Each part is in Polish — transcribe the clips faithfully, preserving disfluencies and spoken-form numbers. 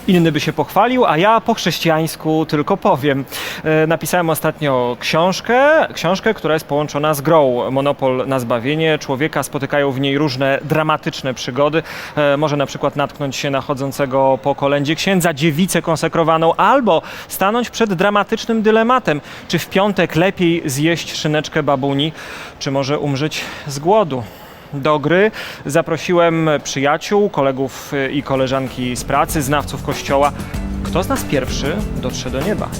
inny by się pochwalił, a ja po chrześcijańsku tylko powiem. E, napisałem ostatnio książkę, książkę, która jest połączona z grą Monopol na zbawienie. Człowieka spotykają w niej różne dramatyczne przygody. E, może na przykład natknąć się na chodzącego po kolędzie księdza, dziewicę konsekrowaną, albo stanąć przed dramatycznym dylematem, czy w piątek lepiej zjeść szyneczkę babuni, czy może umrzeć z głodu. Do gry zaprosiłem przyjaciół, kolegów i koleżanki z pracy, znawców Kościoła. Kto z nas pierwszy dotrze do nieba?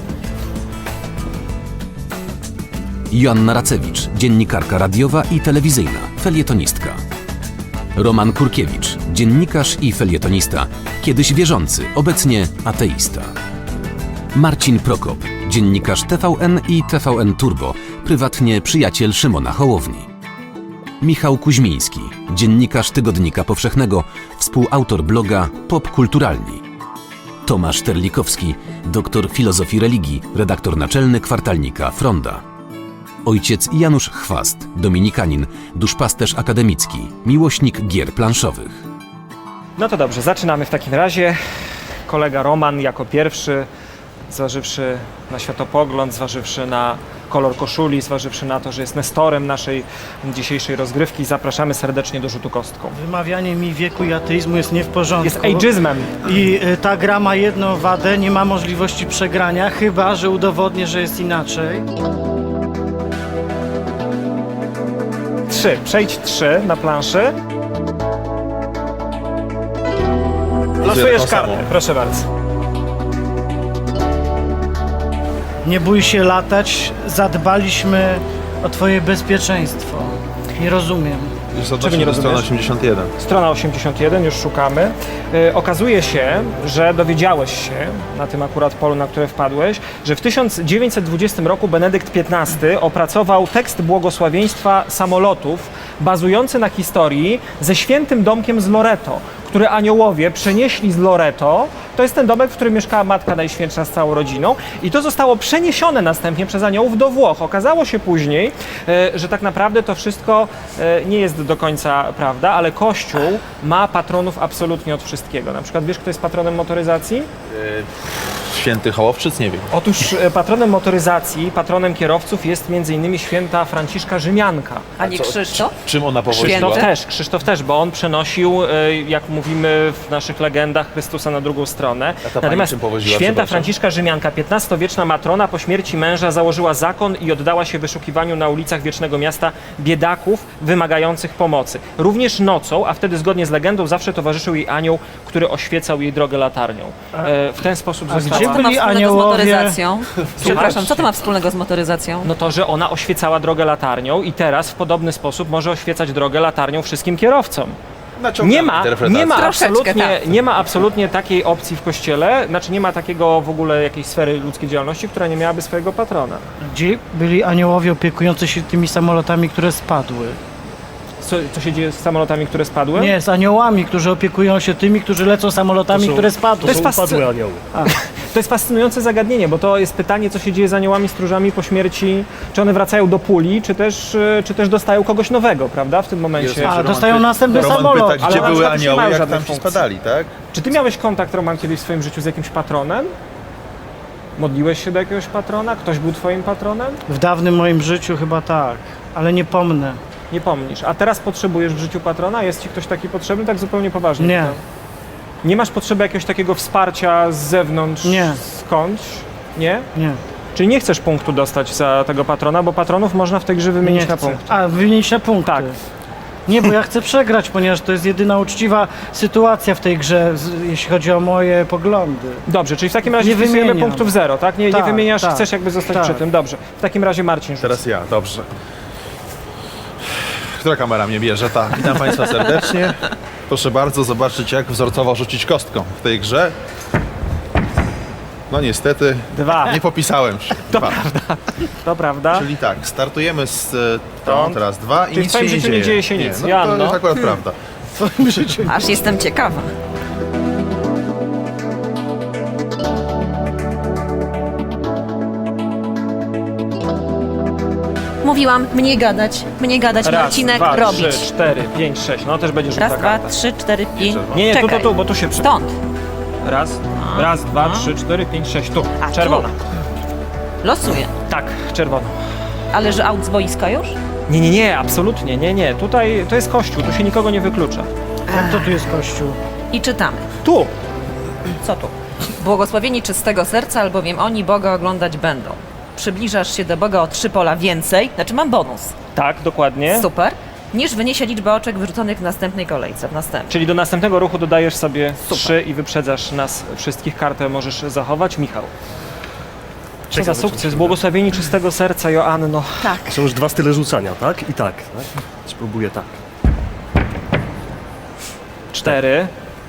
Joanna Racewicz, dziennikarka radiowa i telewizyjna, felietonistka. Roman Kurkiewicz, dziennikarz i felietonista, kiedyś wierzący, obecnie ateista. Marcin Prokop, dziennikarz T V N i T V N Turbo, prywatnie przyjaciel Szymona Hołowni. Michał Kuźmiński, dziennikarz Tygodnika Powszechnego, współautor bloga Popkulturalni. Tomasz Terlikowski, doktor filozofii religii, redaktor naczelny kwartalnika Fronda. Ojciec Janusz Chwast, dominikanin, duszpasterz akademicki, miłośnik gier planszowych. No to dobrze, zaczynamy w takim razie. Kolega Roman jako pierwszy, zważywszy na światopogląd, zważywszy na kolor koszuli, zważywszy na to, że jest nestorem naszej dzisiejszej rozgrywki, zapraszamy serdecznie do rzutu kostką. Wymawianie mi wieku i ateizmu jest nie w porządku. Jest ageizmem. I y, ta gra ma jedną wadę, nie ma możliwości przegrania, chyba że udowodnię, że jest inaczej. Trzy. Przejdź trzy na planszy. Losujesz kartę, proszę bardzo. Nie bój się latać, zadbaliśmy o twoje bezpieczeństwo. Nie rozumiem. Czego nie rozumiesz? Strona osiemdziesiąt jeden. Strona osiemdziesiąt jeden, już szukamy. Yy, okazuje się, że dowiedziałeś się, na tym akurat polu, na które wpadłeś, że w tysiąc dziewięćset dwudziestym roku Benedykt piętnasty opracował tekst błogosławieństwa samolotów bazujący na historii ze świętym domkiem z Loreto, który aniołowie przenieśli z Loreto. To jest ten domek, w którym mieszkała Matka Najświętsza z całą rodziną i to zostało przeniesione następnie przez aniołów do Włoch. Okazało się później, e, że tak naprawdę to wszystko e, nie jest do końca prawda, ale Kościół ma patronów absolutnie od wszystkiego. Na przykład wiesz, kto jest patronem motoryzacji? Święty Hołowczyc, nie wiem. Otóż e, patronem motoryzacji, patronem kierowców jest między innymi święta Franciszka Rzymianka. A nie Krzysztof? Czym ona powodziła? Święty? Krzysztof też, Krzysztof też, bo on przenosił, e, jak mówimy w naszych legendach, Chrystusa na drugą stronę. A ta pani Natomiast czym powodziła, święta przepraszam? Franciszka Rzymianka, piętnastowieczna matrona, po śmierci męża założyła zakon i oddała się wyszukiwaniu na ulicach Wiecznego Miasta biedaków wymagających pomocy. Również nocą, a wtedy zgodnie z legendą zawsze towarzyszył jej anioł, który oświecał jej drogę latarnią. E, w ten sposób a została... gdzie Co to ma byli wspólnego aniołowie? z motoryzacją? Przepraszam, co to ma wspólnego z motoryzacją? No to, że ona oświecała drogę latarnią i teraz w podobny sposób może oświecać drogę latarnią wszystkim kierowcom. Naciągamy Nie ma, interpretację. nie, ma Troszeczkę, absolutnie, tak. nie ma absolutnie takiej opcji w Kościele, znaczy nie ma takiego w ogóle jakiejś sfery ludzkiej działalności, która nie miałaby swojego patrona. Gdzie byli aniołowie opiekujący się tymi samolotami, które spadły? Co, co się dzieje z samolotami, które spadły? Nie, z aniołami, którzy opiekują się tymi, którzy lecą samolotami, które spadły. To jest, fascy... anioły. to jest fascynujące zagadnienie, bo to jest pytanie, co się dzieje z aniołami stróżami po śmierci, czy one wracają do puli, czy też, y, czy też dostają kogoś nowego, prawda, w tym momencie. A, dostają następny Roman samolot. pyta, ale gdzie na były przykład nie anioły, mają jak żadnej tam ci funkcji. spadali, tak? Czy ty miałeś kontakt, Roman, kiedyś w swoim życiu z jakimś patronem? Modliłeś się do jakiegoś patrona? Ktoś był twoim patronem? W dawnym moim życiu chyba tak, ale nie pomnę. Nie pomnisz. A teraz potrzebujesz w życiu patrona? Jest ci ktoś taki potrzebny? Tak zupełnie poważnie. Nie. pytam. Nie masz potrzeby jakiegoś takiego wsparcia z zewnątrz? Nie. Skądś? Nie? Nie, Czyli nie chcesz punktu dostać za tego patrona, bo patronów można w tej grze wymienić nie na chcę. punkt. A, wymienić na punkty. Tak. Nie, bo ja chcę przegrać, ponieważ to jest jedyna uczciwa sytuacja w tej grze, z, jeśli chodzi o moje poglądy. Dobrze, czyli w takim razie Nie wpisujemy wymieniam. punktów zero, tak? Nie, Tak, nie wymieniasz, tak, chcesz jakby zostać tak. przy tym. Dobrze. W takim razie Marcin rzuć. Teraz ja, dobrze. Która kamera mnie bierze? Ta. Witam Państwa serdecznie. Proszę bardzo zobaczyć, jak wzorcowo rzucić kostką w tej grze. No niestety, Dwa. nie popisałem się. Dwa. To prawda. Czyli tak, startujemy z e, tą, Stąd. teraz dwa i Czyli w nic twoim się nie życiu dzieje. nie dzieje się nic. no, Joanno. to jest akurat prawda. Aż jestem ciekawa. Mówiłam, mniej gadać, mniej gadać, Raz, Marcinek, dwa, robić. trzy, cztery, pięć, sześć. No też będzie rzuta Raz, dwa, karta. trzy, cztery i... Nie, nie, tu, tu, Czekaj. tu, bo tu się przy... Stąd. Raz, raz, dwa, trzy, cztery, pięć, sześć. Tu, A, tu. czerwona. Losuję. Tak, czerwona. Ale że aut z boiska już? Nie, nie, nie, absolutnie, nie, nie. Tutaj to jest kościół, tu się nikogo nie wyklucza. Jak to tu jest kościół? I czytamy. Tu! Co tu? Błogosławieni czystego serca, albowiem oni Boga oglądać będą. Przybliżasz się do Boga o trzy pola więcej, znaczy mam bonus. Tak, dokładnie. Super. Niż wyniesie liczba oczek wyrzuconych w następnej kolejce, w następnej. Czyli do następnego ruchu dodajesz sobie Super. trzy i wyprzedzasz nas wszystkich. Kartę możesz zachować. Michał. Co za sukces. Błogosławieni czystego serca, Joanno. Tak. Są już dwa style rzucania, tak? I tak. tak? Spróbuję tak. Cztery.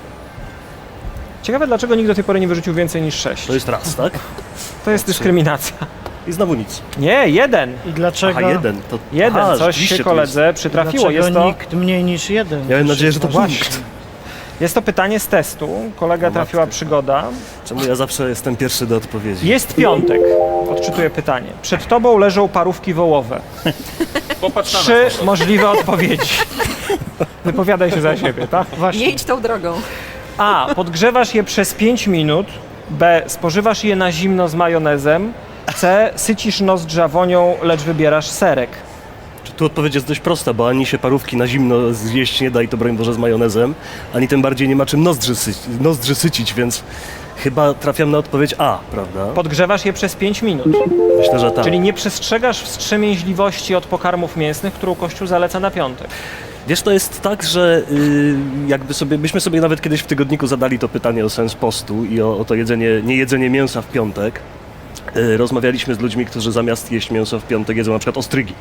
Ciekawe, dlaczego nikt do tej pory nie wyrzucił więcej niż sześć. To jest raz, tak? To jest dyskryminacja. I znowu nic. Nie, jeden. I dlaczego? Aha, jeden. To... Jeden. Aha, Coś rzeczywiście się to jest- koledze przytrafiło. Dlaczego Jest to, nikt mniej niż jeden? Miałem nadzieję, że to Właśnie. nikt. jest to pytanie z testu. Kolega O trafiła matko. przygoda. Czemu ja zawsze jestem pierwszy do odpowiedzi? Jest piątek. Odczytuję pytanie. Przed tobą leżą parówki wołowe. Trzy możliwe odpowiedzi. Wypowiadaj się za siebie, tak? Nie idź tą drogą. A. Podgrzewasz je przez pięć minut. B. Spożywasz je na zimno z majonezem. C. Sycisz nozdrza wonią, lecz wybierasz serek. Tu odpowiedź jest dość prosta, bo ani się parówki na zimno zjeść nie da i to broń Boże z majonezem, ani tym bardziej nie ma czym nozdrzy, sy nozdrzy sycić, więc chyba trafiam na odpowiedź A, prawda? Podgrzewasz je przez pięć minut. Myślę, że tak. Czyli nie przestrzegasz wstrzemięźliwości od pokarmów mięsnych, którą Kościół zaleca na piątek. Wiesz, to jest tak, że y, jakby sobie, myśmy sobie nawet kiedyś w tygodniku zadali to pytanie o sens postu i o, o to jedzenie, nie jedzenie mięsa w piątek. Y, rozmawialiśmy z ludźmi, którzy zamiast jeść mięso w piątek jedzą na przykład ostrygi.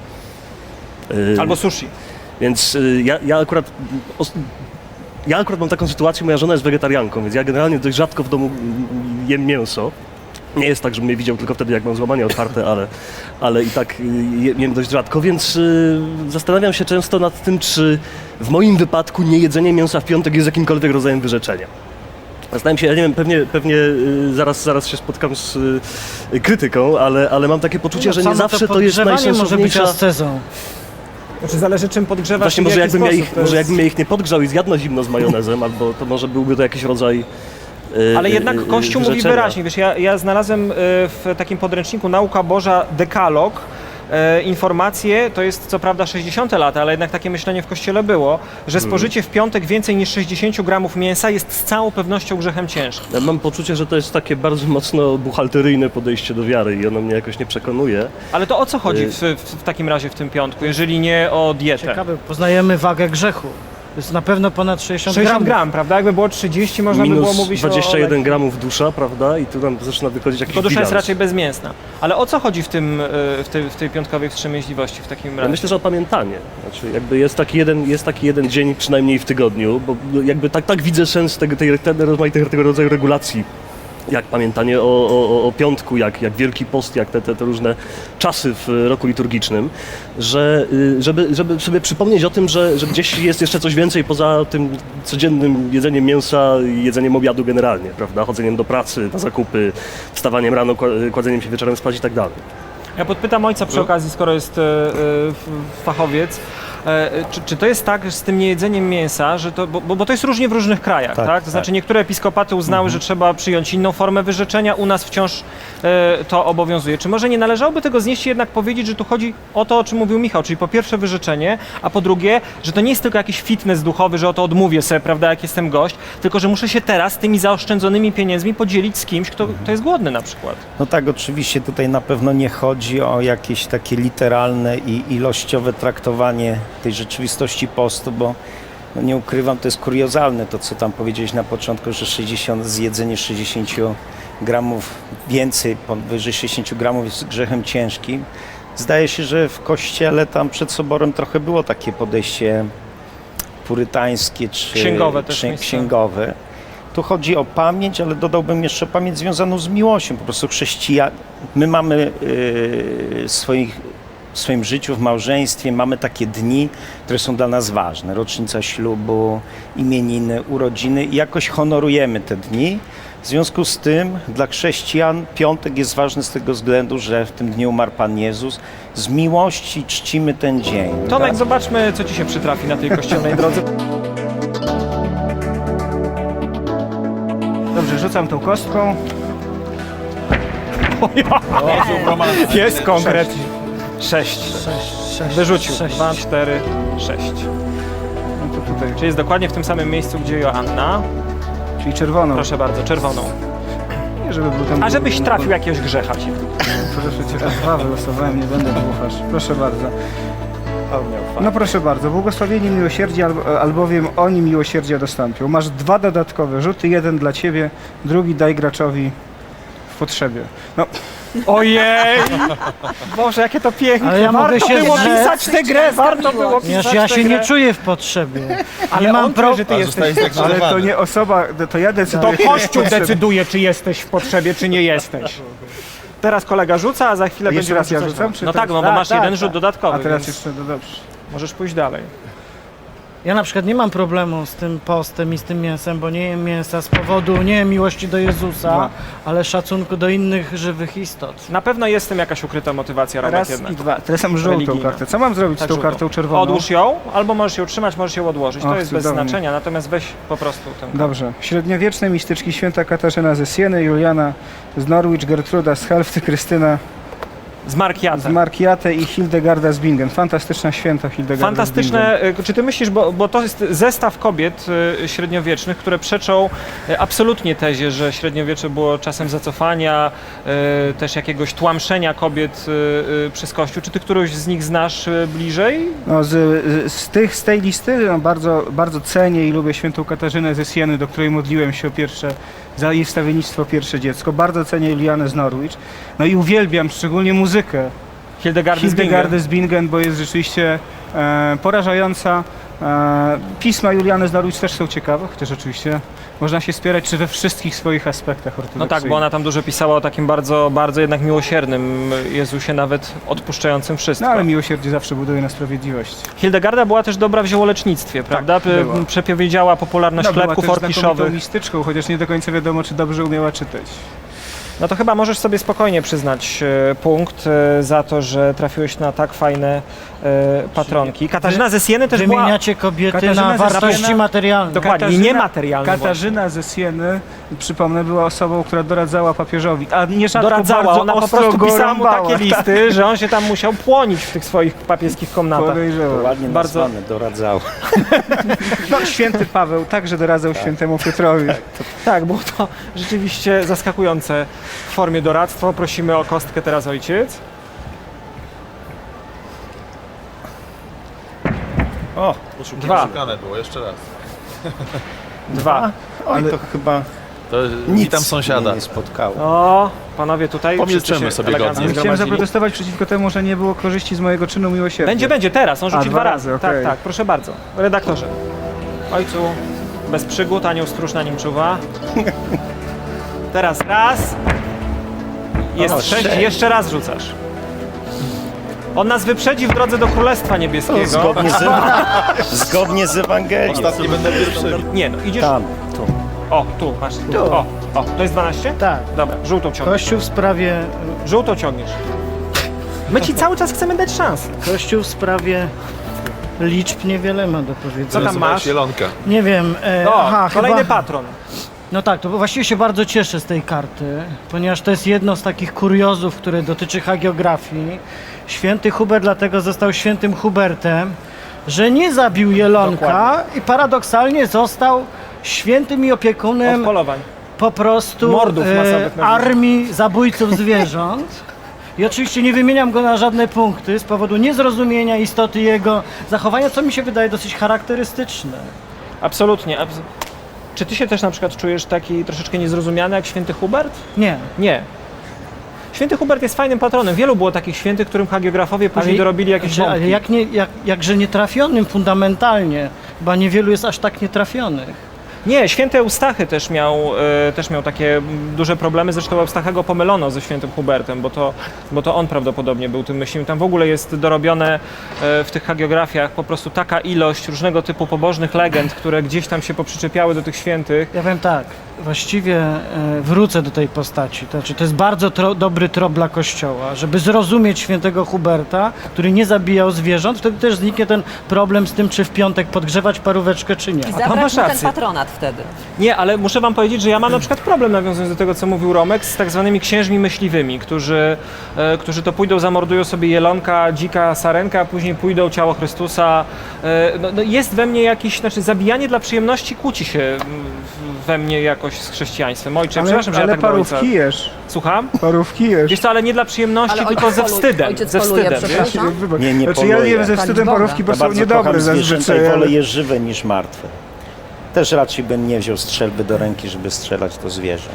Y, Albo sushi. Więc y, ja, ja akurat... Os, ja akurat mam taką sytuację, moja żona jest wegetarianką, więc ja generalnie dość rzadko w domu mm, jem mięso. Nie jest tak, żebym mnie widział tylko wtedy, jak mam złamanie otwarte, ale, ale i tak y, je- jem dość rzadko, więc y, zastanawiam się często nad tym, czy w moim wypadku niejedzenie mięsa w piątek jest jakimkolwiek rodzajem wyrzeczenia. Zastanawiam się, ja nie wiem, pewnie, pewnie y, zaraz, zaraz się spotkam z y, krytyką, ale, ale mam takie poczucie, że nie Samo zawsze to jest podgrzewanie może być najsensowniejsza... ascezą. Znaczy zależy czym podgrzewasz Właśnie i w może jaki jakbym, ja sposób. ich, To może jest- jakbym ja ich nie podgrzał i zjadł na zimno z majonezem, albo to może byłby to jakiś rodzaj y, Ale jednak y, y, Kościół mówi wyrzeczenia. wyraźnie, wiesz, ja, ja znalazłem y, w takim podręczniku Nauka Boża Dekalog y, informację, to jest co prawda sześćdziesiąte lata, ale jednak takie myślenie w Kościele było, że spożycie w piątek więcej niż sześćdziesiąt gramów mięsa jest z całą pewnością grzechem ciężkim. Ja mam poczucie, że to jest takie bardzo mocno buchalteryjne podejście do wiary i ono mnie jakoś nie przekonuje. Ale to o co chodzi Y- w, w, w takim razie w tym piątku, jeżeli nie o dietę? Ciekawe, poznajemy wagę grzechu. To jest na pewno ponad sześćdziesiąt, sześćdziesiąt gramów. gram, prawda? Jakby było trzydzieści, można by było Minus mówić dwadzieścia o... jeden gramów dusza, prawda? I tu nam zaczyna wychodzić jakiś To dusza jest bilans. raczej bezmięsna. Ale o co chodzi w, tym, y, w, tej, w tej piątkowej wstrzemięźliwości w takim Ja razie? myślę, że opamiętanie. Znaczy, jakby jest taki jeden, jest taki jeden dzień przynajmniej w tygodniu, bo jakby tak, tak widzę sens tego, tej, tej rozmaitych tego rodzaju regulacji, jak pamiętanie o, o, o piątku, jak, jak Wielki Post, jak te, te, te różne czasy w roku liturgicznym, że y, żeby, żeby sobie przypomnieć o tym, że, że gdzieś jest jeszcze coś więcej poza tym codziennym jedzeniem mięsa i jedzeniem obiadu generalnie, prawda? Chodzeniem do pracy, na zakupy, wstawaniem rano, kła- kładzeniem się wieczorem spać i tak dalej. Ja podpytam ojca przy okazji, skoro jest e, e, f- fachowiec, e, czy, czy to jest tak że z tym niejedzeniem mięsa, że to, bo, bo to jest różnie w różnych krajach, tak? Tak, To znaczy niektóre episkopaty uznały, że trzeba przyjąć inną formę wyrzeczenia, u nas wciąż e, to obowiązuje. Czy może nie należałoby tego znieść i jednak powiedzieć, że tu chodzi o to, o czym mówił Michał, czyli po pierwsze wyrzeczenie, a po drugie, że to nie jest tylko jakiś fitness duchowy, że oto odmówię sobie, prawda, jak jestem gość, tylko że muszę się teraz tymi zaoszczędzonymi pieniędzmi podzielić z kimś, kto, kto jest głodny na przykład. No tak, oczywiście tutaj na pewno nie chodzi o jakieś takie literalne i ilościowe traktowanie tej rzeczywistości postu, bo no nie ukrywam, to jest kuriozalne to, co tam powiedziałeś na początku, że sześćdziesiąt, zjedzenie sześćdziesiąt gramów więcej, powyżej sześćdziesiąt gramów jest grzechem ciężkim. Zdaje się, że w kościele tam przed soborem trochę było takie podejście purytańskie czy Księgowe też czy miejsce. księgowe. Tu chodzi o pamięć, ale dodałbym jeszcze pamięć związaną z miłością. Po prostu chrześcijan, my mamy yy, swoich, w swoim życiu, w małżeństwie, mamy takie dni, które są dla nas ważne. Rocznica ślubu, imieniny, urodziny i jakoś honorujemy te dni. W związku z tym dla chrześcijan piątek jest ważny z tego względu, że w tym dniu umarł Pan Jezus. Z miłości czcimy ten dzień. Tomek, tak? zobaczmy, co ci się przytrafi na tej kościelnej drodze. Dobrze, rzucam tą kostką. Jest konkret. Sześć. Sześć, sześć, Wyrzucił. sześć. Dwa, cztery, sześć. No to tutaj, Czyli jest dokładnie w tym samym miejscu, gdzie Joanna. czyli czerwoną. Proszę bardzo, czerwoną. Nie, żeby był tam... A żebyś trafił jakiegoś grzecha ci. Proszę cię, dwa wylosowałem, nie będę dłuchasz. Proszę bardzo. No proszę bardzo, błogosławieni miłosierdzie, albo- albowiem oni miłosierdzia dostąpią. Masz dwa dodatkowe rzuty, jeden dla ciebie, drugi daj graczowi w potrzebie. No, Ojej! Boże, jakie to piękne. Ale ja mogę warto się było zrzec. pisać tę grę, warto było pisać Ponieważ ja tę się grę. nie czuję w potrzebie. Ale nie mam on pro... czuje, że ty A, jesteś. zostaje ale to zdegradowany. nie osoba, to ja To decyduję. Kościół decyduje, czy jesteś w potrzebie, czy nie jesteś. Teraz kolega rzuca, a za chwilę A jeszcze będzie raz ja rzucać. rzucam, czy No teraz- tak, no bo A, masz tak, jeden tak. rzut dodatkowy, A teraz więc jeszcze, no dobrze. możesz pójść dalej. Ja na przykład nie mam problemu z tym postem i z tym mięsem, bo nie jem mięsa z powodu nie miłości do Jezusa, Dwa. ale szacunku do innych żywych istot. Na pewno jest w tym jakaś ukryta motywacja, Romek, Raz jednak. i dwa. Teraz mam żółtą Religijna. kartę. Co mam zrobić Tak, z tą żółtą. kartą czerwoną? Odłóż ją, albo możesz ją trzymać, możesz ją odłożyć. To Och, jest bez cudownie. znaczenia, natomiast weź po prostu tę kartę. Dobrze. Średniowieczne mistyczki święta Katarzyna ze Sieny, Juliana z Norwich, Gertruda z Helfty, Krystyna Z Markiata. z Markiate i Hildegarda z Bingen. Fantastyczna święta Hildegarda z Bingen. Fantastyczne. y, Czy ty myślisz, bo, bo to jest zestaw kobiet y, średniowiecznych, które przeczą y, absolutnie tezie, że średniowiecze było czasem zacofania, y, też jakiegoś tłamszenia kobiet y, y, przez Kościół. Czy ty którąś z nich znasz y, bliżej? No, z, z, z, tych, z tej listy no, bardzo, bardzo cenię i lubię świętą Katarzynę ze Sieny, do której modliłem się o pierwsze, za jej wstawiennictwo pierwsze dziecko. Bardzo cenię Julianę z Norwich. No i uwielbiam szczególnie muzykę Hildegardy z Bingen. Hildegardy z Bingen, bo jest rzeczywiście e, porażająca. E, pisma Juliany z Norwich też są ciekawe, chociaż oczywiście można się spierać czy we wszystkich swoich aspektach No ortodoksyjnych. tak, bo ona tam dużo pisała o takim bardzo, bardzo jednak miłosiernym Jezusie, nawet odpuszczającym wszystko. No ale miłosierdzie zawsze buduje na sprawiedliwości. Hildegarda była też dobra w ziołolecznictwie, prawda? P- była. Przepowiedziała popularność No, była chlebków też znakomitą orkiszowych. mistyczką, chociaż nie do końca wiadomo, czy dobrze umiała czytać. No to chyba możesz sobie spokojnie przyznać e, punkt e, za to, że trafiłeś na tak fajne e, patronki. Katarzyna ze Sieny też była... Wymieniacie kobiety Katarzyna na ze wartości Siena- materialne. Dokładnie, Katarzyna- niematerialne. Katarzyna ze Sieny, przypomnę, była osobą, która doradzała papieżowi, a nierzadko Doradzała, bardzo ona po ostro prostu go pisała mu rąbała. takie listy, że on się tam musiał płonić w tych swoich papieskich komnatach. Podejrzewam. Ładnie Bardzo- nazwane, doradzało. No, święty Paweł także doradzał świętemu Piotrowi. Tak, było to rzeczywiście zaskakujące w formie doradztwa. Prosimy o kostkę teraz, ojciec. O, Dwa. Szukane było, jeszcze raz. Dwa. Oj, Ale- to chyba To nic witam sąsiada. mnie nie spotkało. O, panowie tutaj Pomilczymy wszyscy się sobie elegancko godnie. ale chciałem zgromadzili. zaprotestować przeciwko temu, że nie było korzyści z mojego czynu miłosierdzia. Będzie, będzie, teraz. On rzuci A, dwa dwa razy. razy, Tak, okej. tak, proszę bardzo. Redaktorze. Ojcu, bez przygód, anioł stróż na nim czuwa. Teraz raz. Jest O, sześć, sześć. jeszcze raz rzucasz. On nas wyprzedzi w drodze do Królestwa Niebieskiego. Zgodnie z, zgodnie z Ewangelią. Ostatni będę pierwszy. Nie, no idziesz... Tam, tu. O, tu, masz. Tu. O, o, to jest dwanaście? Tak. Dobra, żółtą ciągniesz. Kościół w sprawie, Żółtą ciągniesz. My ci cały czas chcemy dać szansę. Kościół w sprawie liczb niewiele ma do Co powiedzenia. tam masz? Zielonka. Nie wiem. E, O, aha, kolejny chyba, patron. No tak, to właściwie się bardzo cieszę z tej karty, ponieważ to jest jedno z takich kuriozów, które dotyczy hagiografii. Święty Hubert dlatego został świętym Hubertem, że nie zabił jelonka Dokładnie. i paradoksalnie został świętym i Od opiekunem polowań. po prostu Mordów masowych na armii zabójców zwierząt. I oczywiście nie wymieniam go na żadne punkty z powodu niezrozumienia istoty jego zachowania, co mi się wydaje dosyć charakterystyczne. Absolutnie. Abs- Czy ty się też na przykład czujesz taki troszeczkę niezrozumiany jak święty Hubert? Nie. Nie. Święty Hubert jest fajnym patronem. Wielu było takich świętych, którym hagiografowie później dorobili jakieś znaczy, ale bąki. jak nie, jak, jakże nietrafionym fundamentalnie, chyba niewielu jest aż tak nietrafionych. Nie, święty Eustachy też miał, e, też miał takie mm, duże problemy. Zresztą Eustachego pomylono ze świętym Hubertem, bo to, bo to on prawdopodobnie był tym myślnym. Tam w ogóle jest dorobione e, w tych hagiografiach po prostu taka ilość różnego typu pobożnych legend, które gdzieś tam się poprzyczepiały do tych świętych. Ja powiem tak, właściwie e, wrócę do tej postaci. To znaczy, to jest bardzo tro, dobry trop dla Kościoła, żeby zrozumieć świętego Huberta, który nie zabijał zwierząt. Wtedy też zniknie ten problem z tym, czy w piątek podgrzewać paróweczkę, czy nie. I tam zabrać masz mu ten rację. patronat wtedy. Nie, ale muszę wam powiedzieć, że ja mam na przykład problem, nawiązując do tego, co mówił Romek, z tak zwanymi księżmi myśliwymi, którzy, e, którzy to pójdą, zamordują sobie jelonka, dzika, sarenka, a później pójdą ciało Chrystusa. E, no, no jest we mnie jakiś, znaczy zabijanie dla przyjemności kłóci się mm, w- we mnie jakoś z chrześcijaństwem. Ojcze, Ale, przepraszam, że ale ja tak do ojca... parówki jesz. Słucham? Parówki jesz. Wiesz co, ale nie dla przyjemności, Ale tylko ojciec ze polu- wstydem. ojciec Ze poluje, wstydem, wiesz? przepraszam. Wybacz. Nie, nie znaczy, ja poluję. jem ze wstydem Boga. parówki, bo Ja są bardzo niedobre kocham zwierzęta zazwyczaj. i wolę ale- je żywe niż martwe. Też raczej bym nie wziął strzelby do ręki, żeby strzelać to zwierzę.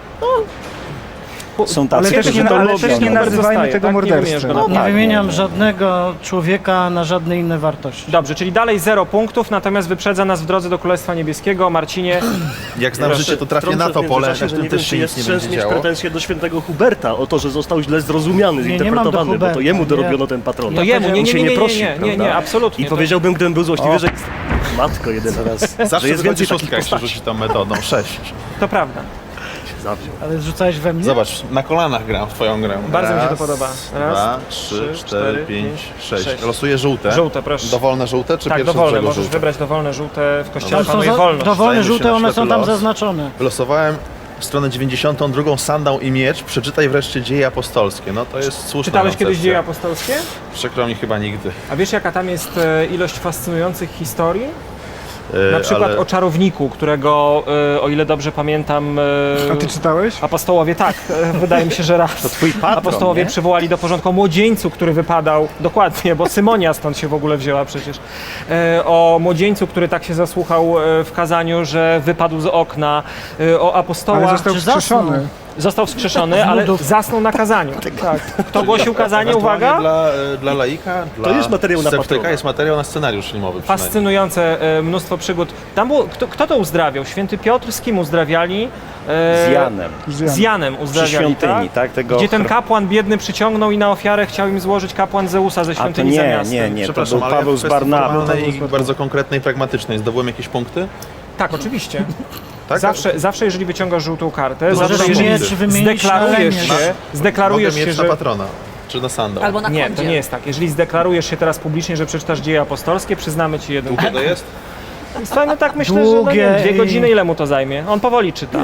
Są tacy, Ale też którzy nie, to ale lubią. też nie no. nazywajmy Zostaje, tego tak? Nie morderstwem. wymieniasz go na- No, Nie tak, wymieniam nie, nie. żadnego człowieka na żadne inne wartości. Dobrze, czyli dalej zero punktów, natomiast wyprzedza nas w drodze do Królestwa Niebieskiego. Marcinie, Jak znam życie, to trafię na to pole, na którym też się nic nie będzie mieć działo. pretensje do świętego Huberta o to, że został źle zrozumiony, Nie, nie mam do zinterpretowany, bo to Huberta, jemu nie. dorobiono ten patron. to jemu, nie, On nie, się nie, nie nie, prosił, nie, nie, nie, prawda? nie, absolutnie. I To- powiedziałbym, gdybym był złośliwy, że jest... Matko jedyna raz, że Zawsze jest wychodzi więcej szóstka, takich jak się postaci. rzuci tą metodą. Sześć. To prawda. Zawziął. Ale zrzucałeś we mnie? Zobacz, na kolanach gram w twoją grę. Bardzo mi się to Raz, podoba. Raz, dwa, trzy, trzy, cztery, cztery, pięć, pięć, sześć. sześć. Losuję żółte. Żółte, proszę. Dowolne żółte, czy Tak, pierwsze z dowolne, brzegu możesz żółte? wybrać dowolne żółte, w kościele Ale są panuje za, wolność. dowolne Zdaje mi się żółte, na one przykład są tam los. zaznaczone. Wylosowałem stronę dziewięćdziesiątą drugą, sandał i miecz. Przeczytaj wreszcie dzieje apostolskie. No to jest słuszna Czytałeś kiedyś koncepcja. dzieje apostolskie? Przykro mi chyba nigdy. A wiesz jaka tam jest e, ilość fascynujących historii? E, Na przykład ale o czarowniku, którego, e, o ile dobrze pamiętam, e, A ty czytałeś? apostołowie, tak, e, wydaje mi się, że raz. To twój patron, Apostołowie nie? przywołali do porządku o młodzieńcu, który wypadał, dokładnie, bo Symonia stąd się w ogóle wzięła przecież, e, o młodzieńcu, który tak się zasłuchał e, w kazaniu, że wypadł z okna, e, o Ale apostołach. został czy zasnął? wskrzeszony. Został wskrzeszony, ale Nudów. zasnął na kazaniu. Tak. Kto głosił kazanie, ewentualnie uwaga? Dla, e, dla laika, dla jest materiał na sceptyka, patrona. jest materiał na scenariusz filmowy przynajmniej. Fascynujące e, mnóstwo przygód. Tam było, kto, kto to uzdrawiał? Święty Piotr z kim uzdrawiali? E, Z Janem. Z Janem Przy uzdrawiali, świątyni, tak? tak? Tego Gdzie ten chr- kapłan biedny przyciągnął i na ofiarę chciał im złożyć kapłan Zeusa ze A to świątyni za nie, miastem. nie, nie, to Przepraszam, był ale Paweł ja w z kwestii Barnabą. formalnej i bardzo konkretnej, pragmatycznej. Zdobyłem jakieś punkty? Tak, oczywiście. Tak? Zawsze, zawsze jeżeli wyciągasz żółtą kartę, Możesz zawsze mieć jeżeli miecz wymienić na zdeklarujesz lemię. się, zdeklarujesz Mogę się, mieć że... na patrona, czy na sandał. Albo na Nie, koncie. to nie jest tak. Jeżeli zdeklarujesz się teraz publicznie, że przeczytasz dzieje apostolskie, przyznamy ci jeden Długie to jest? Słuchaj, no tak myślę, że no, Długie nie, dwie i- godziny ile mu to zajmie? On powoli czyta.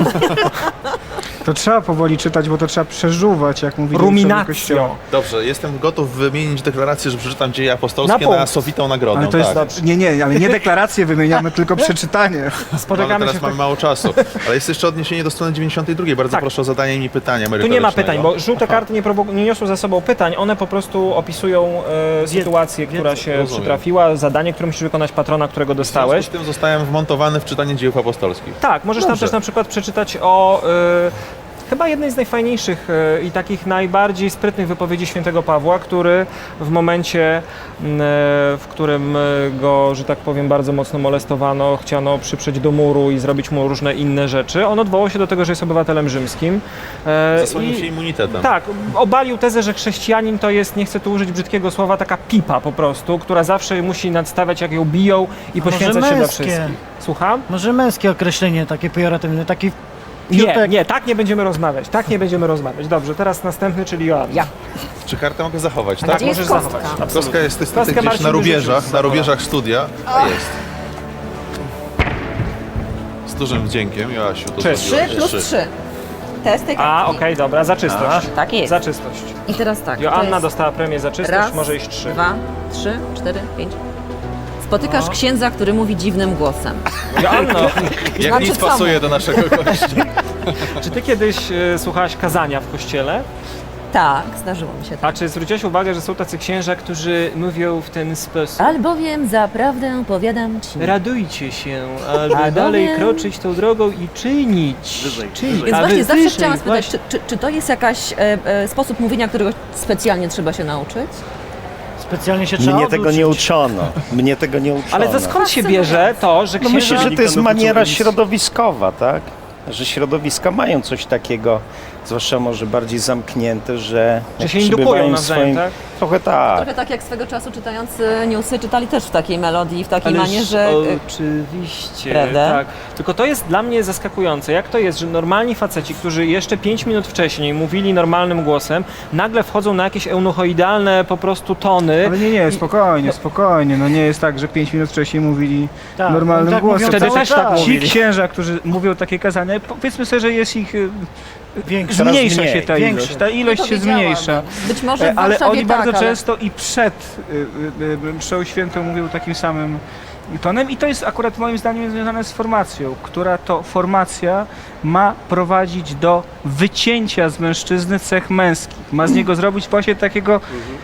To trzeba powoli czytać, bo to trzeba przeżuwać, jak mówi ojcowie Kościoła. Ruminacją. Dobrze, jestem gotów wymienić deklarację, że przeczytam dzieje apostolskie Na na, punkt. sowitą nagrodę. Ale to jest, tak. nie, nie, ale nie deklaracje wymieniamy, tylko przeczytanie. No, ale Spotykamy teraz się mamy tak... mało czasu. Ale jest jeszcze odniesienie do strony dziewięćdziesiątej drugiej. Bardzo Tak. proszę o zadanie mi pytania Tu nie ma merytorycznego. pytań, bo żółte Aha. karty nie, prowo- nie niosą za sobą pytań, one po prostu opisują e, sytuację, która się rozumiem. przytrafiła, zadanie, które musisz wykonać patrona, którego W związku dostałeś. z tym zostałem wmontowany w czytanie dziejów apostolskich. Tak, możesz tam Dobrze. też na przykład przeczytać o e, chyba jednej z najfajniejszych e, i takich najbardziej sprytnych wypowiedzi świętego Pawła, który w momencie, m, e, w którym e, go, że tak powiem, bardzo mocno molestowano, chciano przyprzeć do muru i zrobić mu różne inne rzeczy, on odwołał się do tego, że jest obywatelem rzymskim. E, Zasłonił i- się immunitetem. Tak, obalił tezę, że chrześcijanin to jest, nie chcę tu użyć brzydkiego słowa, taka pipa po prostu, która zawsze musi nadstawiać, jak ją biją i A może poświęcać się dla męskie? wszystkich. Słucham? Może męskie określenie, takie pejoratywne, taki Nie, piutek. nie, tak nie będziemy rozmawiać, tak nie będziemy rozmawiać. Dobrze, teraz następny, czyli Joanna. Ja. Czy kartę mogę zachować, A tak? gdzie jest możesz kostka? zachować. Kostka jest niestety Kostkę gdzieś Marcin na wyrzucił rubieżach, z na zawołu. rubieżach studia. A jest. Z dużym wdziękiem, Joasiu, to Trzy. zrobiłaś. trzy plus trzy. Test tej A, kartki. okej, dobra, za czystość. Tak jest. Za czystość. I teraz tak. to Joanna jest dostała premię za czystość, raz, może iść trzy. dwa, trzy, cztery, pięć. Spotykasz księdza, który mówi dziwnym głosem. Joanno, Jak Znaczy nic co? pasuje do naszego gościa. czy ty kiedyś e, słuchałaś kazania w kościele? Tak, zdarzyło mi się tak. A czy zwróciłaś uwagę, że są tacy księża, którzy mówią w ten sposób? Albowiem zaprawdę powiadam ci. Radujcie się, albo Albowiem- dalej kroczyć tą drogą i czynić. Wyżej, czynić. wyżej. Więc A właśnie wy zawsze wyżej, chciałam spytać, właśnie. czy, czy, czy to jest jakaś e, e, sposób mówienia, którego specjalnie trzeba się nauczyć? Specjalnie się trzeba Mnie tego nie oduczyć. uczono. Mnie tego nie uczono. Ale to skąd się bierze to, że No księża... myślę, że to jest Nikt nam maniera uczył nic. środowiskowa, tak? Że środowiska mają coś takiego, zwłaszcza może bardziej zamknięte, że Że jak się indukują przebywają w nawzajem, tak? Trochę tak. Trochę tak jak swego czasu czytający newsy czytali też w takiej melodii, w takiej Ależ manierze. oczywiście, Prawda? tak. Tylko to jest dla mnie zaskakujące. Jak to jest, że normalni faceci, którzy jeszcze pięć minut wcześniej mówili normalnym głosem, nagle wchodzą na jakieś eunuchoidalne po prostu tony. Ale nie, nie, spokojnie, spokojnie. No nie jest tak, że pięć minut wcześniej mówili Tak, normalnym oni tak głosem. mówią Wtedy cały też tak czas. Ci mówili. księża, którzy mówią takie kazania, powiedzmy sobie, że jest ich... y, Większe. Coraz Zmniejsza mniej, się ta większe. ilość, ta ilość No to się wiedziałam. zmniejsza. Być może w E, Ale Warszawie oni tak, bardzo ale... często i przed y, y, y, mszą świętą mówią takim samym tonem i to jest akurat moim zdaniem związane z formacją, która to formacja ma prowadzić do wycięcia z mężczyzny cech męskich. Ma z niego zrobić właśnie takiego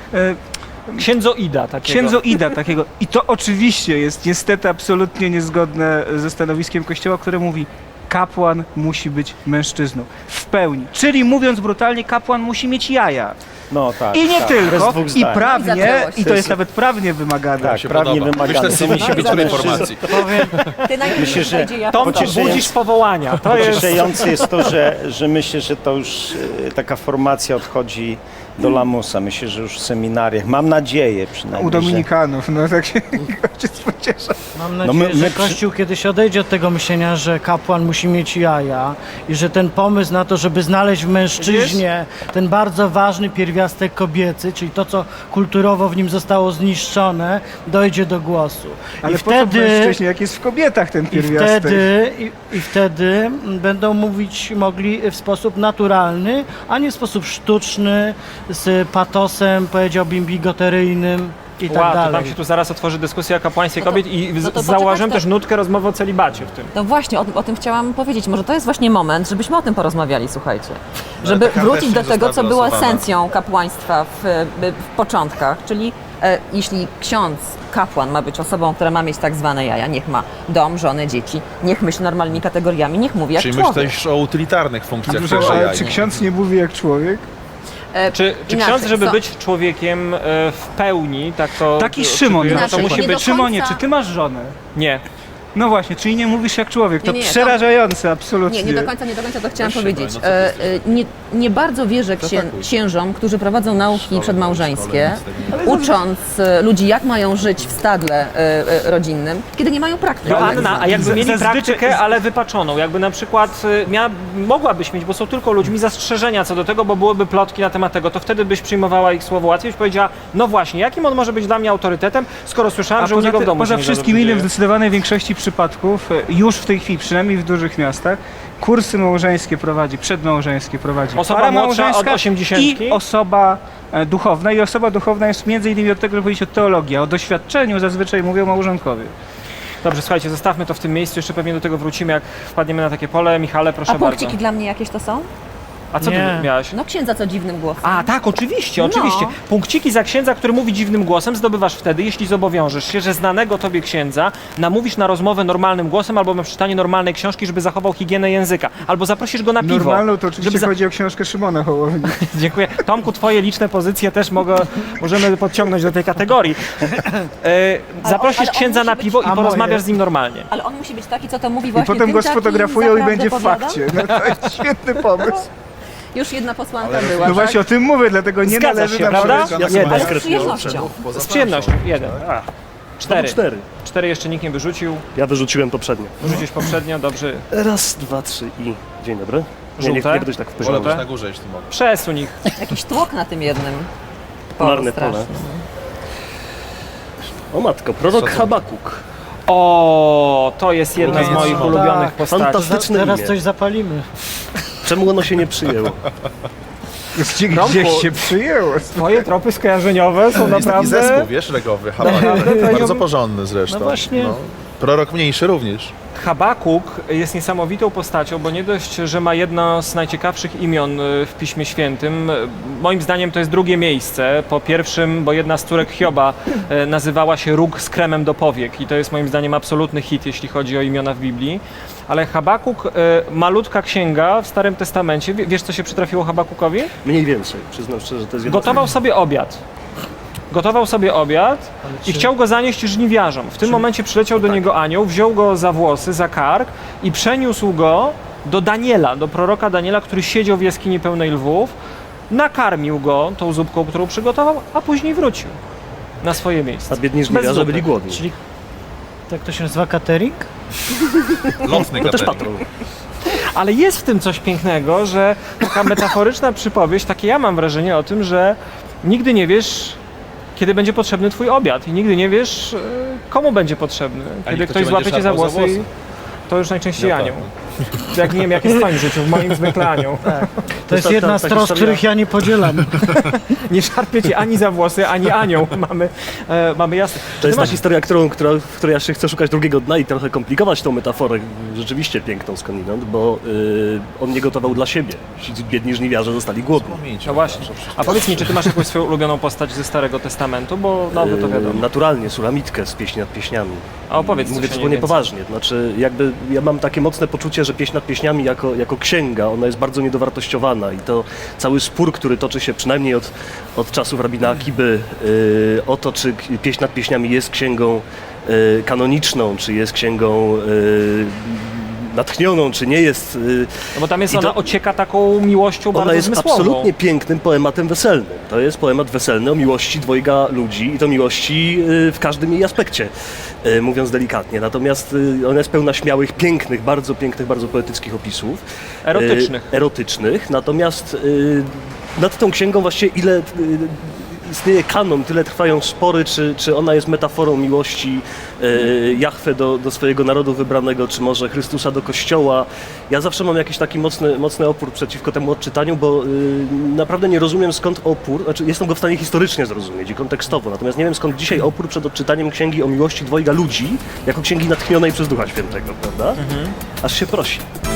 e, Księdzoida takiego. księdzoida takiego. I to oczywiście jest niestety absolutnie niezgodne ze stanowiskiem Kościoła, które mówi: kapłan musi być mężczyzną w pełni. Czyli mówiąc brutalnie, kapłan musi mieć jaja. No tak. I nie tak, tylko, bez dwóch i zdań. prawnie, Zaczęło się. i to jest nawet prawnie wymagane. Tak, się prawnie podoba. wymagane. Myślę, że To musi być dobrej mężczyzna. formacji. Powiem, Ty najpierw Myślę, że wejdzie, ja Tomku, potem. pocieszające- budzisz powołania. To jest... Pocieszające jest to, że, że myślę, że to już e, taka formacja odchodzi do lamusa. Myślę, że już w seminariach. Mam nadzieję przynajmniej. U Dominikanów, no tak się ojciec pociesza. mam No nadzieję, my- my że przy- Kościół kiedyś odejdzie od tego myślenia, że kapłan musi mieć jaja i że ten pomysł na to, żeby znaleźć w mężczyźnie ten bardzo ważny pierwiastek kobiecy, czyli to, co kulturowo w nim zostało zniszczone, dojdzie do głosu. Ale I po co wtedy, mężczyźnie, jak jest w kobietach ten i pierwiastek? wtedy, i, i wtedy będą mówić mogli w sposób naturalny, a nie w sposób sztuczny, z patosem, powiedziałbym, bigoteryjnym i tak Wow, to dalej. tam się tu zaraz otworzy dyskusja o kapłaństwie No to- kobiet i no to z- poczekać zauważyłem to- też nutkę rozmowy o celibacie w tym. No właśnie, o, o tym chciałam powiedzieć. Może to jest właśnie moment, żebyśmy o tym porozmawiali, słuchajcie. Żeby ta karta wrócić jeszcze do nie tego, co została było wylosowana. esencją kapłaństwa w, w początkach, czyli e, jeśli ksiądz, kapłan ma być osobą, która ma mieć tak zwane jaja, niech ma dom, żonę, dzieci, niech myśli normalnymi kategoriami, niech mówi jak Czyli człowiek. myślę też o utylitarnych funkcjach Proszę, tychże ale jaj. czy ksiądz nie mówi jak człowiek? E, Czy, czy inaczej, ksiądz, żeby co- być człowiekiem e, w pełni, tak to... Taki to- Szymon, to no, Inaczej, to musi nie być. do Szymonie, końca- czy ty masz żonę? Nie. No właśnie, czyli nie mówisz jak człowiek. To Nie, nie, to- przerażające, absolutnie. Nie, nie do końca, nie do końca to chciałam Weź powiedzieć. szybko, no co E, ty e, nie, nie bardzo wierzę księ, Zatakuj. księżom, którzy prowadzą nauki Szkole, przedmałżeńskie, szkole, nic ucząc e, ludzi, jak mają żyć w stadle e, e, rodzinnym, kiedy nie mają praktyki. Joanna, a jakby Z- mieli zazwyczaj- praktykę, ale wypaczoną, jakby na przykład y, mia, mogłabyś mieć, bo są tylko ludźmi, zastrzeżenia co do tego, bo byłyby plotki na temat tego, to wtedy byś przyjmowała ich słowo łatwiej, byś powiedziała, no właśnie, jakim on może być dla mnie autorytetem, skoro słyszałem, A że u poza, niego w ty, domu poza się nie za wszystkim dobrze innym, w dzieje. zdecydowanej większości przypadków, e, już w tej chwili, przynajmniej w dużych miastach, kursy małżeńskie prowadzi, przedmałżeńskie prowadzi Osoba para młodsza od małżeńska osiemdziesiątki? i osoba e, duchowna. I osoba duchowna jest między innymi od tego, żeby powiedzieć o teologii, a o doświadczeniu zazwyczaj mówią małżonkowie. Dobrze, słuchajcie, zostawmy to w tym miejscu, jeszcze pewnie do tego wrócimy, jak wpadniemy na takie pole. Michale, proszę A punkciki bardzo. dla mnie jakieś to są? A co Nie. ty miałaś? No księdza co dziwnym głosem. A, tak, oczywiście, No. oczywiście. Punkciki za księdza, który mówi dziwnym głosem, zdobywasz wtedy, jeśli zobowiążesz się, że znanego tobie księdza namówisz na rozmowę normalnym głosem albo na przeczytanie normalnej książki, żeby zachował higienę języka. Albo zaprosisz go na piwo. Normalną to oczywiście żeby za- chodzi o książkę Szymona Hołowni. Dziękuję. Tomku, twoje liczne pozycje też mogę, możemy podciągnąć do tej kategorii. E, zaprosisz ale on księdza musi na być- piwo i A porozmawiasz moje? z nim normalnie. Ale on musi być taki, co to mówi I właśnie potem tym go takim sfotografują i zaprawdę będzie w powiadam? fakcie. No, to jest świetny pomysł. Już jedna posłanka Ale- była, No tak? właśnie o tym mówię, dlatego nie Zgadzasz należy się, na prawda? wszystko. Ja jeden. Ale z przyjemnością. Z przyjemnością. Jeden. A. Cztery. Cztery. Cztery jeszcze nikt nie wyrzucił. Ja wyrzuciłem poprzednio. Wyrzuciłeś poprzednio, dobrze. Raz, dwa, trzy i... Dzień dobry. Nie, nie, Żółte? nie będziesz tak w Wolę poziomie. być na górze, jeśli mogę. Przesuń ich. Jakiś tłok na tym jednym. Polarne Polu pole. strasznym. O matko, prorok Habakuk. O, to jest jedna z Ulubieniec moich Szymona. ulubionych Tak. postaci. Fantastyczne Teraz imię. coś zapalimy. Czemu ono się nie przyjęło? Gdzie, Tomku, gdzieś się przyjęło. Twoje tropy skojarzeniowe są Jest taki naprawdę... zespół, wiesz, legowy, Habakuk. Bardzo porządny zresztą. No właśnie. Prorok mniejszy również. Habakuk jest niesamowitą postacią, bo nie dość, że ma jedno z najciekawszych imion y, w Piśmie Świętym. y, Moim zdaniem to jest drugie miejsce. Po pierwszym, bo jedna z córek Hioba y, nazywała się Róg z kremem do powiek i to jest moim zdaniem absolutny hit, jeśli chodzi o imiona w Biblii. Ale Habakuk, y, malutka księga w Starym Testamencie. Wie- Wiesz, co się przytrafiło Habakukowi? Mniej więcej, przyznam szczerze, że to jest jedno. Gotował sobie obiad. Gotował sobie obiad i chciał go zanieść żniwiarzom. W tym momencie przyleciał do niego anioł, wziął go za włosy, za kark i przeniósł go do Daniela, do proroka Daniela, który siedział w jaskini pełnej lwów, nakarmił go tą zupką, którą przygotował, a później wrócił na swoje miejsce. A biedni Bez żniwiarze zupy. byli głodni. Czyli tak to się nazywa catering? Lotny No też catering. patrol. Ale jest w tym coś pięknego, że taka metaforyczna przypowieść, takie ja mam wrażenie o tym, że nigdy nie wiesz, kiedy będzie potrzebny twój obiad i nigdy nie wiesz, e, komu będzie potrzebny. Kiedy kto ktoś cię złapie będzie cię za szarpał za włosy, i włosy. to już najczęściej No anioł. Jak nie wiem, jak jest w twoim życiu, w moim zwykle anioł. To jest ta- jedna ta- z ta tros, historia- których ja nie podzielam. Nie szarpie cię ani za włosy, ani anioł. Mamy, e, mamy jasne. To jest Ty ta historia, którą, która, w której ja się chcę szukać drugiego dna i trochę komplikować tą metaforę, rzeczywiście piękną skądinąd, bo y, on nie gotował dla siebie. Ci biedni żniwiarze zostali głodni. No właśnie. A powiedz mi, czy ty masz jakąś swoją ulubioną postać ze Starego Testamentu, bo nowy to Y, wiadomo. Naturalnie, Sulamitkę z Pieśni nad Pieśniami. A opowiedz Mówię coś o niej zupełnie więcej. poważnie. Znaczy, jakby ja mam takie mocne poczucie, że Pieśń nad Pieśniami jako, jako księga, ona jest bardzo niedowartościowana i to cały spór, który toczy się przynajmniej od, od czasów rabina Akiby y, o to, czy Pieśń nad Pieśniami jest księgą y, kanoniczną, czy jest księgą y, natchnioną, czy nie jest. y, No bo tam jest I ona to- ocieka taką miłością Ona bardzo jest zmysłową. absolutnie pięknym poematem weselnym. To jest poemat weselny o miłości dwojga ludzi i to miłości y, w każdym jej aspekcie, y, mówiąc delikatnie. Natomiast y, ona jest pełna śmiałych, pięknych, bardzo pięknych, bardzo poetyckich opisów. Erotycznych. Y, erotycznych. Natomiast y, nad tą księgą właściwie ile y, istnieje kanon, tyle trwają spory, czy, czy ona jest metaforą miłości y, Jahwe do, do swojego narodu wybranego, czy może Chrystusa do Kościoła. Ja zawsze mam jakiś taki mocny, mocny opór przeciwko temu odczytaniu, bo y, naprawdę nie rozumiem skąd opór, znaczy jestem go w stanie historycznie zrozumieć i kontekstowo, natomiast nie wiem skąd dzisiaj opór przed odczytaniem księgi o miłości dwojga ludzi, jako księgi natchnionej przez Ducha Świętego, prawda? Aż się prosi.